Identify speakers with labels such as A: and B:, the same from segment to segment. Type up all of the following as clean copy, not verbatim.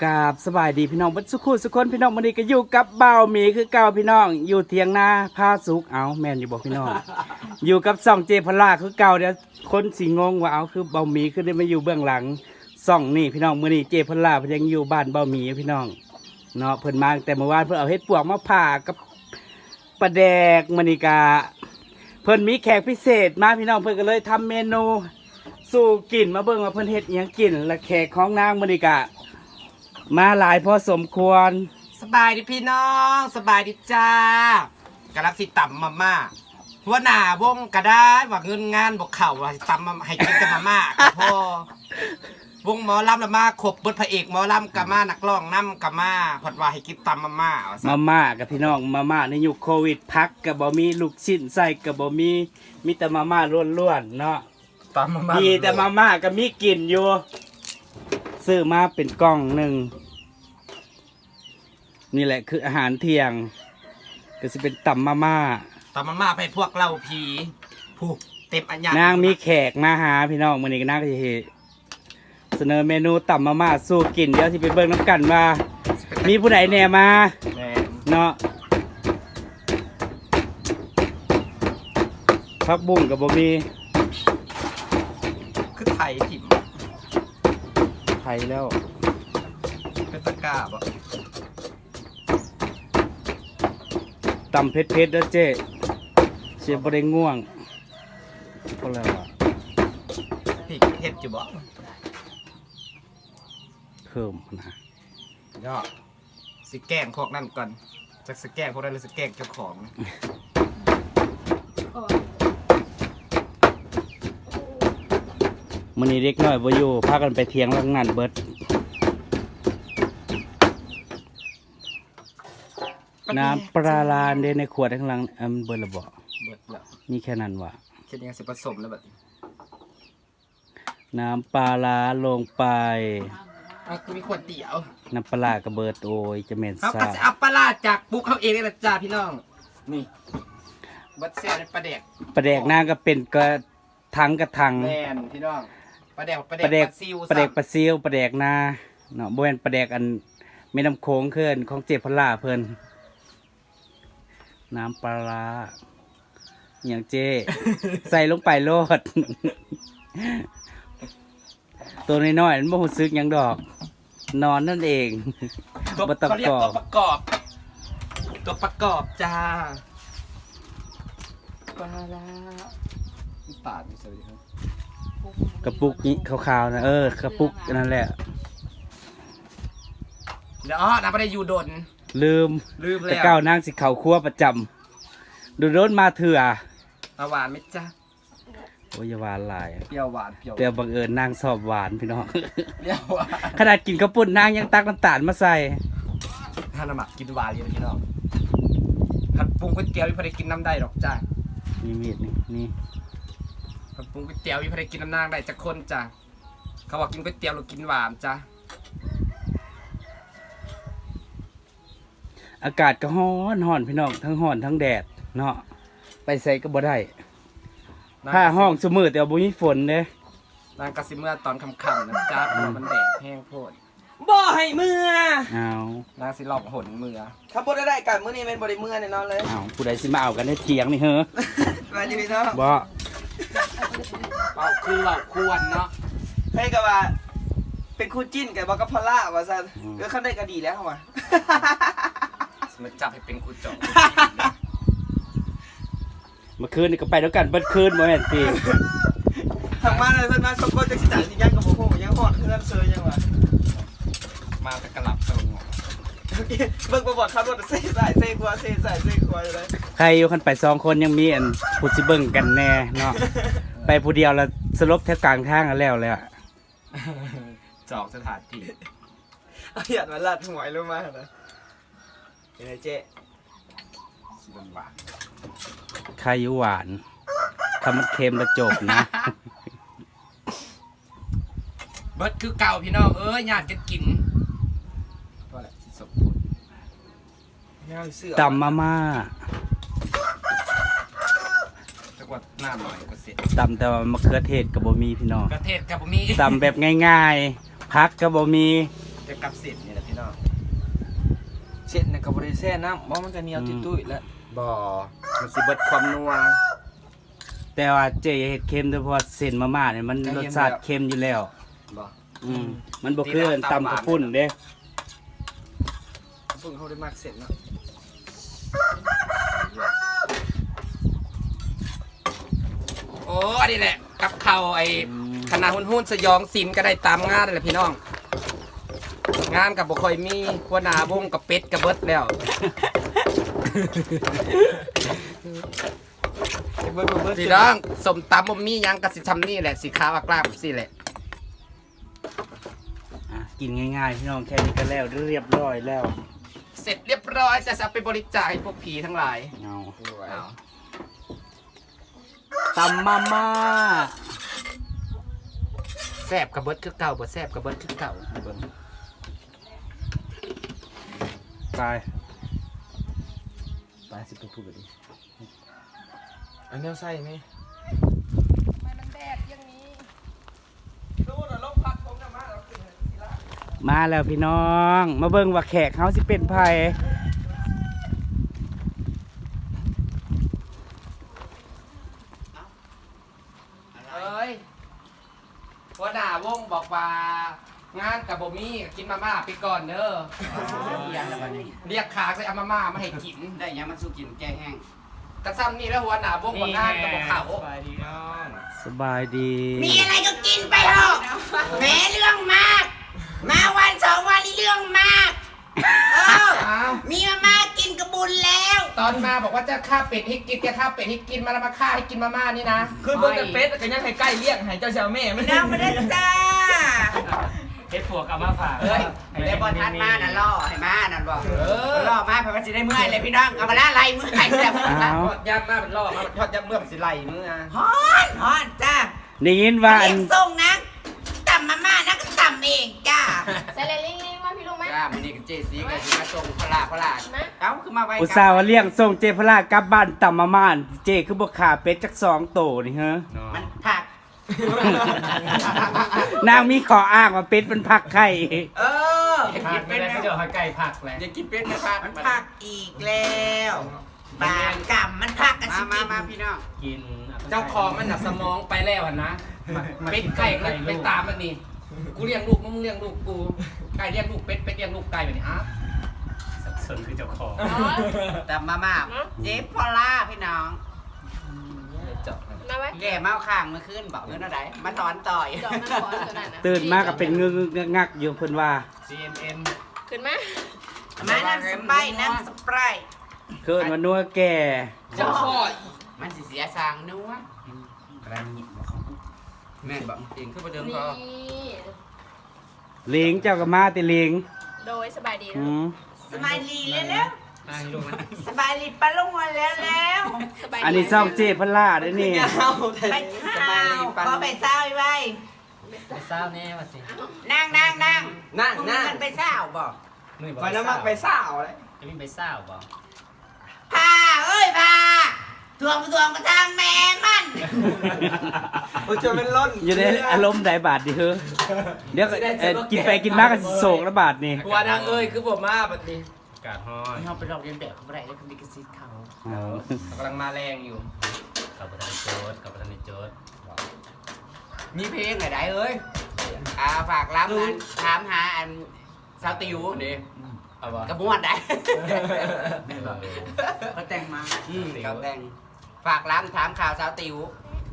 A: กราบสบายดีพี่น้องบัดสุขุสุคนพี่น้องมื้อนี้ก็อยู่กับบ่าวหมีคือเก่าพี่น้องอยู่เถียงนาพาสุกเอาแม่นอยู่บ่พี่น้อง อยู่กับซ่องเจพลาคือเก่าเดี๋ยวคนสิงงว่าเอาคือบ่าวหมีคือได้มาอยู่เบื้องหลังซ่องนี่พี่น้องมื้อนี้เจพลาเพิ่นยังอยู่บ้านบ่าวหมีพี่น้องเนาะเพิ่นมาตั้งแต่เมื่อวานเพิ่นเอาเฮ็ดปวกมาผ่ากับปลาแดกมื้อนี้ก็เพิ่นมีแขกพิเศษมาพี่น้องเพิ่นก็เลยทำเมนูสู่กินมาเบิ่งว่าเพิ่นเฮ็ดอิหยังกินและแขกของนางมื้อนี้ก็มาหลายพอสมควร
B: สบายดีพี่น้องสบายดีจ้ากำลังสิต่ำมาม่าหัวหน้าวงก็ได้ว่าเงินงานบอกเข่าว่าต่ำมาให้กินแต่มาม่าก็พอวงหมอลำละมาขบบทพระเอกหมอลำกับมานักร้องน้ำกับมาพอดว่าให้กินต่ำมาม่าว่าซะ
A: มาม่ากับพี่น้องมาม่าในยุคโควิดพักกับบ่มีลูกชิ้นใส่กับบ่มีแต่มาม่าล้วนๆเนาะ
B: ต่ำมาม่า
A: มีแต่มาม่าก็มีกลิ่นอยู่ซื้อมาเป็นกล่องหนึ่งนี่แหละคืออาหารเที่ยงก็จะเป็นตำมาม่า
B: ต่ำมาม่าไปพวกเราผีผูกเต็มอันย
A: นางมีแขกมาหาพี่น้องมื้อนี้ก็นางก็สิเฮ็ดเสนอเมนูตำมาม่าสู้กินเดี๋ยวสิไปเบิ่งน้ำกันว่ามีผู้ใดแหน่มา
B: แม่
A: เนาะผักบุ้งกับบ่มี
B: คือไทยถิ่ม
A: ไทยแล้ว
B: เป็นตะกร้าบ่
A: ตำเผ็ดๆแล้วเจ๊เสียบ่ได้ง่วงก็แล้วอ่ะ
B: พี่เฮ็ดอยู่บ่
A: เพิ่มนะ
B: ย่อสิแกล้งพวกนั่นก่อนจะสแกล้งพวกนั้นหรือสแกล้งเจ้าของ
A: มื้อนี้เด็กน้อยบ่อยู่พากันไปเที่ยงลังนั้นเบิดน้ำปลาลาเด้ในขวดข้างหลังมันเบิดและบ่
B: เบิดแล้ว
A: มีแค่นั้นว่ะ
B: เช่นยังสิผสมแล้วแบบนี้
A: น้ำปลาลาลงไป
B: คือมีขวดเดียว
A: น้ำปลาร้ากระเบิดโอ้ยจะเหม็น
B: เขา
A: ซ่า
B: ก็จะเอาปลาร้าจากปุ๊กเขาเองนี่แหละจ้าพี่น้องนี่บัดเสียในปลาแดก
A: ปลาแดกนางก็เป็นกระทังกระทัง
B: แมนพี่น้องปลาแดก
A: ปลาแดก
B: ซิว
A: ปลาแดกปลาซิวปลาแดกนาเนาะบ่แม่นปลาแดกอันแม่น้ำโขงเพิ่นของเจ็บพล่าเพิ่นน้ำปลาร้าอย่างเจ ใส่ลงไปโลด ตัวน้อยๆมันบ่รู้สึกหยังดอก นอนนั่นเอง
B: ตัว
A: บ่ต้อง
B: เขาเรียก
A: กรอ
B: ตัว
A: บ
B: ประกอบ ตัวประกอบจ้าปลาร้าปาดอยู่สวัสดีครับ
A: กระปุกนี้ขาวๆนะกระปุกนั่นแหละ
B: เดี๋ยวน้ำปลาได้อยู่ดน
A: ลืม
B: แล้
A: แต่
B: ว
A: ก้าวนางสิเข่าครัวประจำดูโดนมาเถื่อ
B: เอาหวานไหมจ้า
A: โอ้ยอย่าหวานหลาย
B: เปรี้ยวหวานเปรี้ยว
A: แต่บังเอิญนางสอบหวานพี่น้อง
B: เปรี้ยวหวาน
A: ขนาดกินข้าวปุ้นนางยังตักน้ำตาลมาใส่
B: ถ้าน้ำหมักกินหวานเลยพี่น้องผัดปรุงก๋วยเตี๋ยวพี่พอได้กินน้ำได้หรอกจ้า
A: นี่มีดนี่
B: ผัดปรุงก๋วยเตี๋ยวพี่พอได้กินน้ำนางได้จากคนจ้าเขาบอกกินก๋วยเตี๋ยวหรือกินหวานจ้า
A: อากาศก็ร้อนพี่น้องทั้งร้อนทั้งแดดเนาะไปใส่ก็บ่ได้ผ้าห้องสมือแต่ว่าบ่มีฝนเด้
B: นางกระซิเมื่อตอนค่ำๆนะจ้าเพราะว่ามันแดดแห้งโพดบ่ให้เมื่อ
A: อ้าวน
B: างสิหลอกหนเมื่อ
C: ถ้าพูดได้กันมื้อนี้เป็นบริเมื่อแน่นอนเลย
A: อ้าวผู้ใดสิมาเอากันในเถียงนี่เฮ้อ
C: มาอยู่พี่น้อง
A: บ่
B: เป่าคือเป่าควรเนาะ
C: ให้กับว่า เป็นคู่จิ้นกับบอกกับพอลล่าว่าซันก็ขั้นได้ก็ดีแล้วเข้ามา
B: มันจับให้เป็นกูจอก
A: เมื่อคืนนี่ก็ไปด้วยกันเบิดคืนบ่แม่นติ
C: ทางมาเลยเพิ่นมาสมบูรณ์จักสิจ่ายสิยังกับบ่ฮู้ยังฮอดเพื่อนเซยยังว่า
B: มาแต่กระหลับตรง
C: เบิ่งบ่บ่ขับรถเซ่สายเซ่ขวาเซ่สายเซ่ขวาอยู่เลย
A: ใครอยู่คันไป2คนยังมีอันผู้สิเบิ่งกันแน่เนาะไปผู้เดียวแล้วสลบแถวกลางทางกันแล้วเลยอะ
B: จอกสถานที่
C: เอาหยัดมาลัดหวยลงมานะเป็นไงเจ๊
B: สิบหวาน
A: ใครอยู่หวานถ้ามันเค็มแล้วจบนะ
B: เบิดคือเก่าพี่น้องญาติกันกินก็แหละสิสมบูรณ์
C: ไม่เอาเสื้อ
A: ตำมาม่า
B: จักว่าหน้าหน่อยก็เสร็จ
A: ตำแต่ว่ามะเขือเทศกับบ่มีพี่น้อง
B: ประเทศกับมี
A: ตำแบบง่ายๆพักกับบ่มี
B: แต่จะกับเสร็จนี่แหละพี่น้อง
C: เส้นน่ะก็บ่ได้แช่น้ำบ่มันก็เหนียวตุ้ยๆแล้ว
B: บ่มันสิเบิดความนัว
A: แต่ว่าเจอย่าเฮ็ดเค็มเด้อเพราะว่าเส้นมาม่าเนี่ยมันรสชาติเค็มอยู่แล้ว
B: บ่
A: มันบ่คือตำข้าวปุ้นเด้
C: เพิ่งเขาได้มักเส้นเนาะ
B: โอ้อันนี้แหละกับข้าวไอ้คณะหุ้นๆสยองศิลป์ก็ได้ตามงานนั่นแหละพี่น้อง งานกับบ่ค่อยมีหัวหน้าวงกับเป็ดกับเบิดแล้ว
C: เบิ่ง
B: พี่น้องสมตำบ่มีหยังก็สิทำนี่แหละสิขาวอักลาบสิแหละ
A: กินง่ายๆพี่น้องแค่นี้ก็แล้วเรียบร้อยแล้ว
B: เสร็จเรียบร้อยจะเอาไปบริจาคให้พวกผีทั้งหลาย
A: เอา
B: เอา
A: ตำมาม่า
B: แซ่บกับเบิดคือเก่าบ่แซ่บกับเบิดคือเก่าเบิ่ง
A: ไปไปสิไปพูดกันดิ
C: อันนี้ใส่ไหม
D: มันแดดอย่างนี้
C: ดูน่ะลมพัดผมน่ะมาแล้วขึ้นสิละ
A: มาแล้วพี่น้อง มาเบิ่งว่าแขกเขาสิเป็นไผ
B: เอ้ยหัวหน้าวงบอกว่างานกับบ่มีกินมาม่าไปก่อนเด้อเรียกขากเลยเอามาม่ามาให้กิน
E: ได้ยังมันสู้กินแก้แห้ง
B: กระซ้ำนี่แล้วหัวหน้าวงว่างานกับบ่เข้า
A: สบายดี
D: มีอะไรก็กินไปเถอะแม้เรื่องมาก มาวันสองวันนี้เรื่องมากเออ
B: อ้าว
D: มีมาม่ากินกระบุญแล้ว
B: ตอนมาบอกว่าจะฆ่าเป็ดให้กินจะฆ่าเป็ดให้กินมาแล้วมาฆ่าให้กินมาม่านี่นะ
C: คือเบิ่งแต่เป็ดก็ยังให้ใกล้เลี้ยงให้เจ้าชาวแม่มัน
D: น้ำมาได้จ้า
E: เฮ็ดปวกเอามาฝาก
B: เอ้ย
E: ได้บอทันมานั่นล่อให้มานั่นบอก
B: เออ
E: ล่อมาเพื่อสิได้เมื่อยเลยพี่น้องเอามาละไรเมื่อยแล้ว
A: เอา
B: ทอดยำมาเป็นล่อมาทอดยำเมื่อมนสิไหลมือนะ
D: ฮอนฮอนจ้า
A: ได้ยินว่าอั
D: เลี้
A: น
D: ยงส่งนะต่ำมาม่านะก็ต่ำเองจ้า
F: ใส่เลยลิงลิงว่าพี่ลุงไหม
E: จ้ามันนี่กับเจสีก็สิมาส่งพลาเอ้าคือมาไว้
A: อุตส่าห์ว่าเลี้ยงส่งเจพลากลับบ้านตำมาม่าเจคือบ่ขาเป็ดจัก2โตนี่ฮะ
E: มันผัก
A: นางมีขออ้างว่าเป็ดมันผักไข่
E: เออ
B: กินเป็นไหมเดี๋ยวให้ไก่ผักเลย
E: อย่ากินเป็ดนะผัก
D: มันพักอีกแล้วบางกรรมมันพักกันสิ
E: มาพี่น้อง
B: กินเจ้าของมันหนักสมองไปแล้วอะนะเป็ดไก่ก็ไปตามมันนี่กูเลี้ยงลูกมึงเลี้ยงลูกกูไก่เลี้ยงลูกเป็ดเป็ดเลี้ยงลูกไก่แบบนี้อ้าว
E: ส่วนคือเจ้าของแต่มาเจ๊พอล่าพี่น้อง
B: เจาะ
F: มาไว้
E: แก่เมาข้างเมื่อคืนบอกเงินอะไรมาถอนต่อย
F: ดอกมันขอตัวนั้นนะ
A: ตื่นมาก็เป็นงึกๆงักๆอยู่เพิ่นว่า
B: CNN
F: ขึ้นมา
D: มาน้ำสไปร์น้ำสไปร์
A: คือว่านัวแก่
B: เจ้าพ่อ
E: มันสิเสียสางนัวแม่บอกจริงคือประเดิม
F: นี่
E: ก็
A: เลี้ยงเจ้าก็มาติเลี้ยง
F: โดยสบายดี
A: อื
F: นะ
A: ม
D: สบายดีแล้ว
B: ให้ลูกนะ
D: สบายดีปะลุงวันแล้ว
F: สบายดี
A: อันนี้ซ่องเจพลาเด้อนี่
D: ไปข้าวขอไปเศร้าไว้
E: ไปเศร้าแน่ว่าสิ
D: นั่ง
C: นั่ง
D: มึง
C: นั่ง
D: มันไปเศร้าบอก
C: ไปน้ำมักไปสาวเลย
E: จะมีไปเศร้าบ่
D: พาเอ้ยพาทวงกระทางแม่มัน
C: มันจะเป็นล้น
A: อยู่ในอารมณ์ใดบาทดิเฮ้อเดี๋ยวก็กินไปกินมาก็สิโศกแล้วบาทนี่
B: หัวนางเอ้ยคือผมมาแบบนี้
E: กาดห้อยเขาไปลอกเรียนแบบเขาไม่ได้แล้วคือมีกระซิบเขา
A: เอา
B: กำลังมาแรงอยู่
E: กับประธานโจ๊ดกับประธานโจ๊ดมีเพลงไหนได้เอ้ยฝากรับอันถามหาอันสาวติวนี่
B: เอาวะ
E: กระบวนได้เขาแต่งมาเขาแต่งฝากร้านถามข่าวสาวติว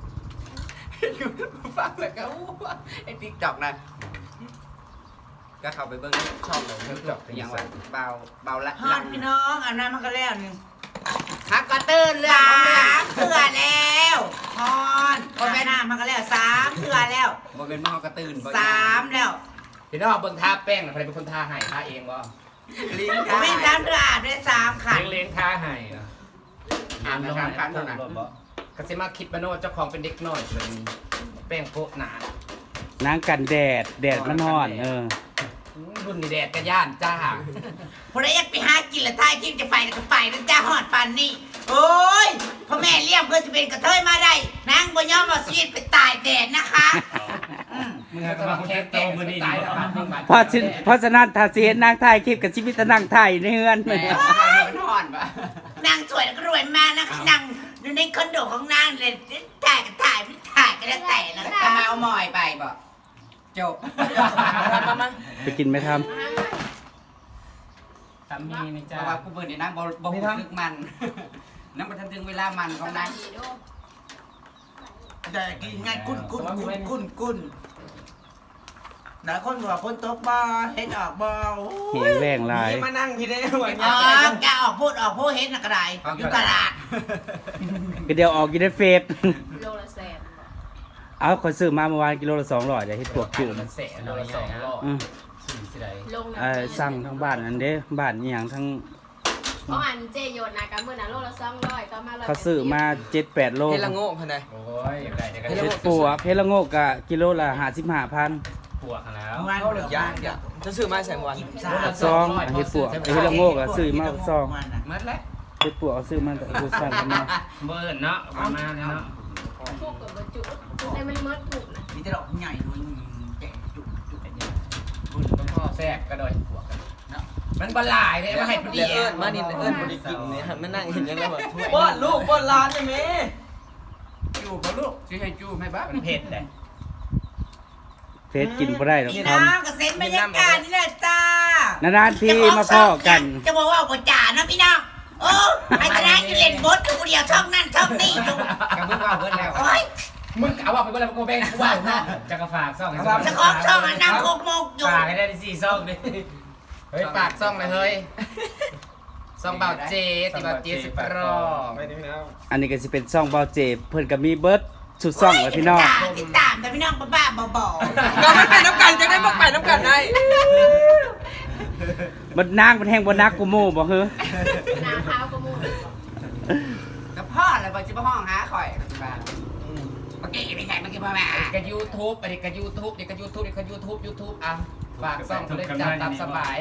E: ฟังแล้วก็ไอ้ติ๊กจอกนะก็เข้าไปเบิ้งช่องเลยติ๊กจอกอย่างว่าเบาละ
D: ฮอนพี่น้องอาบน้ำมันก็แล้วนึง
E: ฮักก็ตื่นเรื่อง
D: 3 เถื่อแล้วฮอนคนไปน้ำมันก็แล้ว3 เถื่อแล้ว
E: บ่เป็นมอกระตื่น
D: 3 แล้ว
B: พี่น้องเบิ่งทาแป้งนะใครเป็นคนทาให้ทาเองวะ
E: ลิง
D: ผมไม่3 เถื่ออาบได้3 ขัน
B: เลี้ยงทาให้นะ
E: อ่านนะครับคันเท่านั้น
B: กสิมาคิดมาโนเจ้าของเป็นเด็กน้อยเลยแป้งโปะหนาน
A: างกันแดดมันร้อน
B: รุ่นนี่แดดกระย่านจ้า
D: พอได้อยากไปหากินละท้ายคิดจะไปแล้วก็ไปนะจ้าฮอดปานนี้โอ้ยพ่อแม่เลี้ยงเพื่อจะเป็นกระเทยมาได้นางบ่ยอมเอาชีวิตไปตายแดดนะคะ
B: ม
E: ก็มาแค่แก่มือนี่ตายแล้วบาท
A: เพราะฉะนั้นถ้าสิเห็นนางถ่ายคลิปกับชีวิตนางถ่ายในเฮือน
E: แม่มันนอนปะ
D: นางสวยแล้วก็รวยมากนะคะนางอยู่ในคอนโดของนางเลยถ่ายก็ถ่ายไม่ถ่ายก็แล้วแต่นะ
E: กระเมาหมอยไปบ่จบ
A: ไปกินไหมครับ
E: ทำมีนี่จ้าเพราะว่ากูเปิดนี่นะบ่ลึกมันนั่นบ่ทันถึงเวลามันของนาง
D: แต่กินง่ายกุ้นหลายคนบอกคนตกบ่เห็นออกบ่
A: เห็นแรงหลาย
C: นี่มานั่งพี่ได้หัว
D: อ๋
C: เงี้
D: อย แกออกพูดเห็นนะกระไรอยู่ตลาด
A: ก็เดี๋ยวออกอยู่ในเฟซ
F: โลละแสน
A: เอาขอยซื้อมาเมื่อวานกิโลละ200เดี๋ยวเฮ็ดปวกจืด
E: มันเสะเราสองรอบ
A: อืม
E: สี่สิไร
F: ลงนะ
A: สั่งทั้งบ้านอันเด้บ้านอีหยังทั้ง
F: เพราะอันเจโยนนะกันเมื่อนั้นโลละ200ต่อมา100
A: เขาซื้อมา 7-8 โล
C: เฮลังโง่พันใด
E: โอ้ยอยากได้เดี๋ยวก็
A: เฮ็ดปวกเพชรละโงกกะกิโลละ55,000
E: ปวกแล้ว
C: เข้าหรือยากจะซื้อมาใส่วัน
A: ซองเฮ็ดปวกเฮ็ดละโงกอะซื้อมาซอง
E: มัดแล้ว
A: เฮ็ดปวกเอาซื้อมาแต่ผู้สั่งกันมา
E: เบิร์นเนาะประมาณนี้เนาะ
F: ทุกกับบรรจุใส่มันมดถูกนะ
D: มีแต่ดอกใหญ่ด้วยแกะจุก
E: คุณต้องพ่อแทรกกระโดดปวกกันเนาะมันบลายเลยมาให้พอดี
C: เอิ้นมานี่เอิ้นบ่ได้กินเนี่ยมานั่งเห็นยังแล้วแบบป้อนลูกป้อนหลานได้มั้ย
E: จูบลูกชื่อให้จูบให้บ้ามันเผ็ดเลย
A: เฟซกินบ่ได้หรอก
D: พี่
A: ท
D: น้องกับเซ็นบรรยากาศนี่แหละจ้า
A: ำนานๆทีมาพ้อกัน
D: จะบอกว่าบ่จ่านะพี่น้องโอ้ไอ้ตานั้นอยู่เล่นบดคือคนเดียวช่องนั่นช่องนี่อยู่
E: กับมึงว่าเบิร์นแล้ว
D: โอ้ย
E: มึงเอาว่าไปเบิร์นแล้วกูแบ่งกูว่าเนาะจะกระฝากซ่อง
D: จะของช่องอันนั่งโคกโมกอยู่
E: ฝากให้ได้4ซ่องดิเฮ้ยฝากซ่องเลยเฮ้ยซ่องเบาเจติเบาเจสิบรอบ
C: ไปนี่พี่น้อง
A: อันนี้ก็สิเป็นซ่องเบาเจเพิ่นก็มีเบิร์ดสุดซ่องเลยพี่น้อง
D: ติดตามแต่พี่น้องบ้าๆบอ
C: ก็ไม่เป็นน้ำกันจะได้มาไปน้ำกันได้
A: มันนางมันแห้งบ่นักกูโม่บ่เฮ้อ
F: นาข้าวก็มู
E: กับพ่อเลยบอกจิบห้องหาข่อยบ้าน
D: ๆเมื่อกี้ไม่ใช่เมื่อกี้พ่อแม่
E: กับยูทูบอันนี้กับยูทูบเด็กกับยูทูบเด็กกับยูทูบอ่ะฝากซ่องเขาเลยจัดตามสบาย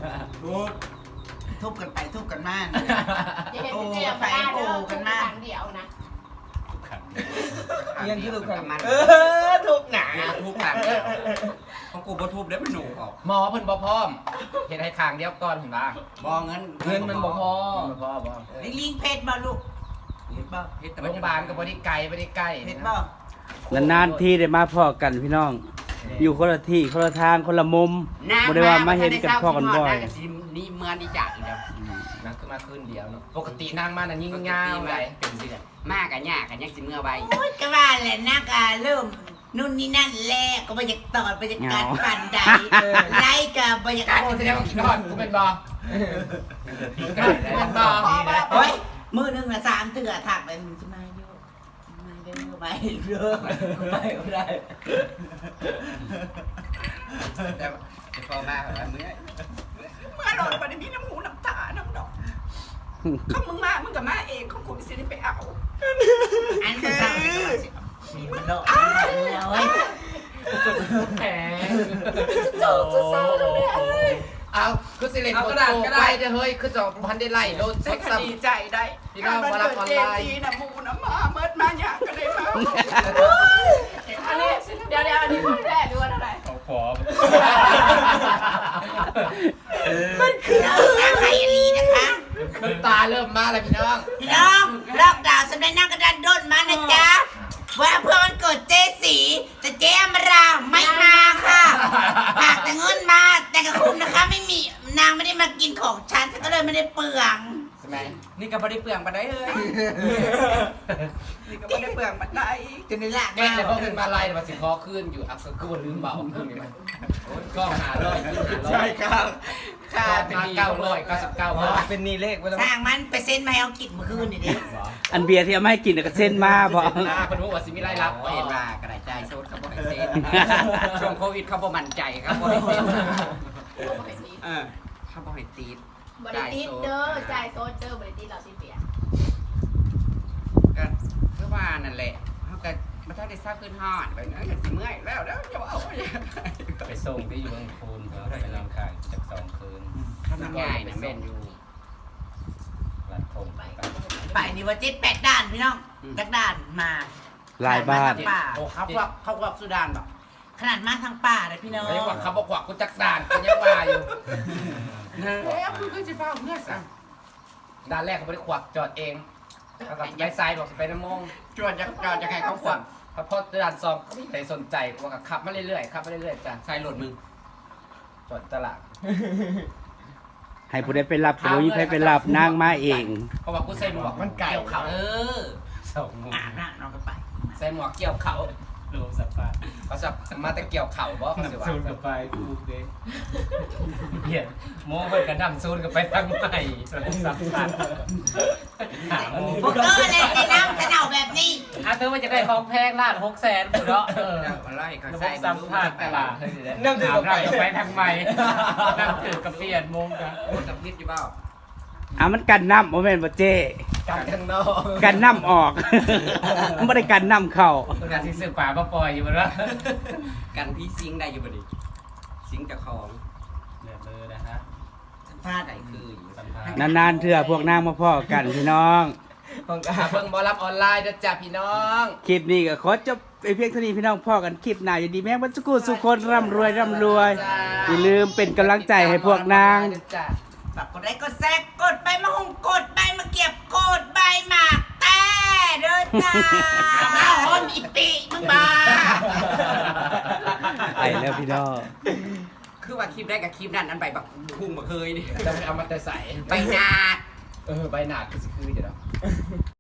D: ทุบกันไปทุบกันมา
F: อย่าเห็นเป็นเดียวไปเด้อทุกครั้งเดียวนะ
C: ยังคือลูกกัน
E: มัน
C: ทุกหนา
E: ทุบขังของกูบ่ทุบได้มันหนูออกหมอเพิ่นบ่พร้อมเห็นให้ขางเดียวก่อนเห็นบ้างบ่เงินมันบ่พอบ่
D: ลิงลิงเพชรบ่ลูกเพชรบ่
E: โรงพยาบาลก็บ่ได้ไกลบ่ได้ใกล้
D: เพชรบ่
A: นานๆทีได้มาพ้อกันพี่น้อง อยู่คนละที่คนละทางคนละมุมบ่ได้ว่ามาเห็นกันพ้อกันบ่อย
E: นี่เมืองนี่จัดเดียวนั่งขึ้นมาคืนเดียวเนาะปกตินั่งมาน่ะยิ่งยาวเลยเป็นสิมากกันยากกันยังสิเมื่อใบ
D: โอ้ยก็ว่าแหละนักเริ่มนู่นนี่นั่นแหละก็บรรยากาศบรรยากาศปั่นใดไล่กับบรรยากา
E: การ
D: ศ
E: แสดงว่ากินฮอดกูเป็นบ่เป็นบ่
D: โอ้ยมือหนึงน่ะ3เทื่อถักไปมึงจะมาอยู่มาเด้อไปเด้อไปบ่ได้
E: แต่พอมาแบบเมื่อย
D: เมื่อโดนบ่ได้มีน้ำหูน้ำตาน้ำดอกเขามึงมามึงก็มาเองเขากูสิได้ไปเอาอันคือมีมันโลเอ้ย
E: แหมเอาคือสิเล่นโตไปเด้อเฮ้ยคือจอบพันได้ไล่โลดสักซ้ำ
D: ดีใจได้
E: พี่น้องมารับออนไลน์
D: น้ำมูน้ำมาเมิดมาอยากก็ได้มา
F: อันนี้เดี๋ยวอันนี้ของแท้ดูว่าอะไร
D: มันคืออะไรลีนะคะ
E: น้ำตาเริ่มมาแล้วพี่น้อง
D: พี่น้องลอกดาวน์สำนักนั่งกระดานด้นมานะจ๊ะว่าเพื่อวันเกิดเจสีแต่เจอมราไม่มาค่ะฝากแต่เงินมาแต่กระคุ้มนะคะไม่มีนางไม่ได้มากินของฉันฉันก็เลยไม่ได้เปลือง
E: ใช่ไหมนี่ก็บ่ได้เปลืองปานใดเฮ้ย
D: นี่ก็ไม่ได้เปลืองบัดได้จนในหลัก
E: แม่เลยพอขึ้นมาไล่มาสิคอขึ้นอยู่อักษรคือบ่ลืมเบาขึ้นนี่มันก็หาร้อย
C: ใช่ครับ
E: ค่าเป็น999 บาท
C: เป็นนี่เลขไปแล้ว
D: สร้างมันไปเซ็นมาให้เอากินเมื่อคืนนี่ดิ
A: อันเบียร์ที่เอามาให้กินน่ะก็เส้นมาบ่
E: เพิ่นบอกว่าสิมีรายรับบ่เห็นว่ากระจายโซดเขาบ่ให้เซ็นช่วงโควิดเขาบ่มั่นใจครับบ่ให้เซ็นเขาบ่ให้ตีด
F: บริติดเด้อจ่ายโซดเด้อบริติดเราสิเปีย
E: ก็คือว่านั่นแหละเขาก็มาถ้าได้ทราบขึ้นฮอดไปนะอย่าสิเมื่อยแล้วจะเอาไปส่งที่อยู่บางคูนเขาไปลำคางจาก2 คืนทำง่ายนะแม่นอยู่รัดทงไป
D: ไปนี่ว่า7-8ด้านพี่น้องจากด้านมา
A: หลายบ้าน
E: โอ้เขาว่าสุดานบอก
D: ขนาดมาทางป่าเลยพี่น้อง
B: ไอ้หวักเขาบอกหวักกูจักด่านกูยังว่าอยู่
E: เอ๊ะคือจะเฝ้าเพื่อนสั่ง
B: ด่านแรกเขาไม่ได้ขวักจอดเองแล้วก็ย้ายซ้ายบอกไปน้ำมง
E: จวนจะใครเขาขวัญ
B: พอด่านสองก็ไม่มีใครสนใจกูก็ขับมาเรื่อยๆขับมาเรื่อยๆจ้ะ
E: ใส่หลดมึง
B: จอดตลาด
A: ให้ผู้ใดไปรับก็บ่มีใครไปรับนางมาเอง
B: เพราะว่ากูใส่หมวกมันเกี่ยวเขา
E: สองมุม
D: น่ะน้องก็ไป
B: ใส่หมวกเกี่ยวเขา
E: รวมสัปดาห์
B: เขาสับมาแต่เกี่ยวเข่าบ่เขาสิว่า
E: ซูนกับไปกูเด้เหี้ยโม่เพิ่นกันดำซูนกับไปทางใหม่รวมสัปดาห์
D: พวกเออเลยในน้ำจะเน่าแบบนี้
E: เธอมันจะได้ของแพงล้าน600,000กูเนาะ
B: อะไรเขา
E: ระบ
B: ใส่
E: บสัมภาษณ์ตลาดนั่งถือไปทางใหม่นั่งถือกับเปลี่ยนมุมกัน
B: โอ้จำพิษอยู่เปล่า
A: มันกันน้ำบ่แม่นบ่เจ้
B: กันข้างนอก
A: กันน้ำออก บ่ได้กันน้ำเข้า
E: การที่ซื้อป่ามาปล่อยอยู่บ่ล่ะ
B: กันพี่ซิงได้อยู่บ่ดิซิงจากของ
E: เรียบเลยนะฮะ
D: พลาดไหน
B: คืออยู่
E: สัมภาษณ์
A: นานๆเทื่อพวกนางมาพ้อกันพี่น้อง
B: เพิ่งหาเพิ่งบอรับออนไลน์นะจ๊ะพี่น้อง
A: คลิปนี้ก็ขอจบไปเพียงเท่านี้พี่น้องพ่อกันคลิปหน้าอยู่ดีแม่งบรรสุกุสุขคนร่ำรวยอย่าลืมเป็นกำลังใจให้พวกนาง
B: จ้ะ
D: ฝากกดไลค์กดแซกกดใบมะฮงกดใบมะเก็บกดใบหมากแต่เด้อจ้ามาหอมอีปีมึงบ้า
A: ไปแล้วพี่น้อง
B: คือว่าคลิปแรกกับคลิปนั้นอันใบบักพุ่งมาเคยดิจะไปเอามาแต่ใส่
D: ใบหนาด
B: ใบหนาดคือสิคือเดี๋ยว